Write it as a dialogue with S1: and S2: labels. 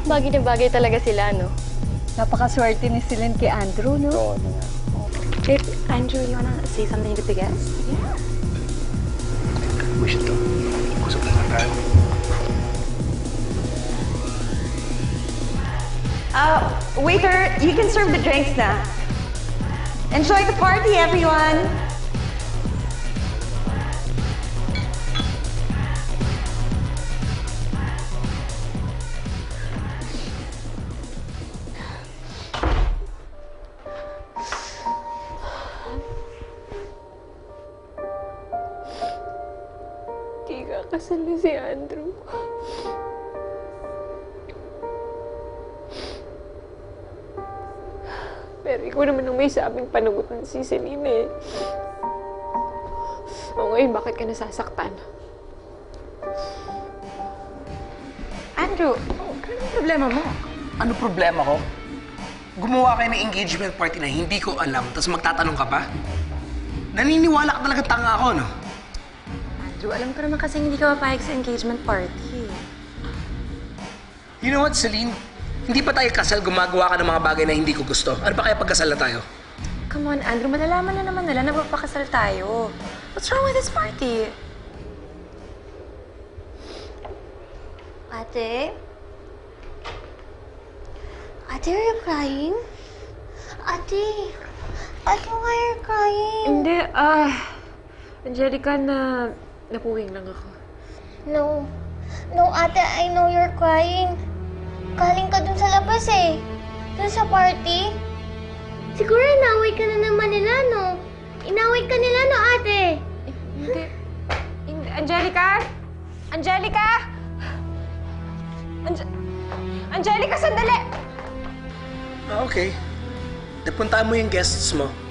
S1: Bagay na bagay talaga sila, no?
S2: Napakaswerte ni Celine kay Andrew, no?
S3: Oo, na nga.
S4: Babe, Andrew, you wanna say something to the guests?
S3: Wish ito. Kusap na lang tayo.
S5: Waiter, you can serve the drinks now. Enjoy the party, everyone!
S1: Di kakasal na si Andrew. Pero ikaw naman ang may sabing panagutan si Celine eh. O ngayon, bakit ka nasasaktan?
S5: Andrew,
S3: Anong problema mo? Ano problema ko? Gumawa kayo ng engagement party na hindi ko alam, tapos magtatanong ka pa? Naniniwala ka talaga tanga ako, no?
S4: Andrew, alam ko naman kasi hindi ka papayag sa engagement party.
S3: You know what, Celine? Hindi pa tayo kasal, gumagawa ka ng mga bagay na hindi ko gusto. Ano pa kaya pagkasal na tayo?
S4: Come on, Andrew, malalaman na naman nila na magpapakasal tayo. What's wrong with this party?
S6: Ate? Ate, are you crying? Ate! Ate, why are you crying?
S1: Hindi, Angelica, napuwing lang ako.
S6: No. No, ate, I know you're crying. Galing ka dun sa labas eh. Dun sa party. Siguro inaway ka na naman nila, no? Inaway ka nila, no, ate?
S1: Hindi. Angelica? Angelica?
S5: Angelica, sandali!
S3: Okay. Napuntaan mo yung guests mo.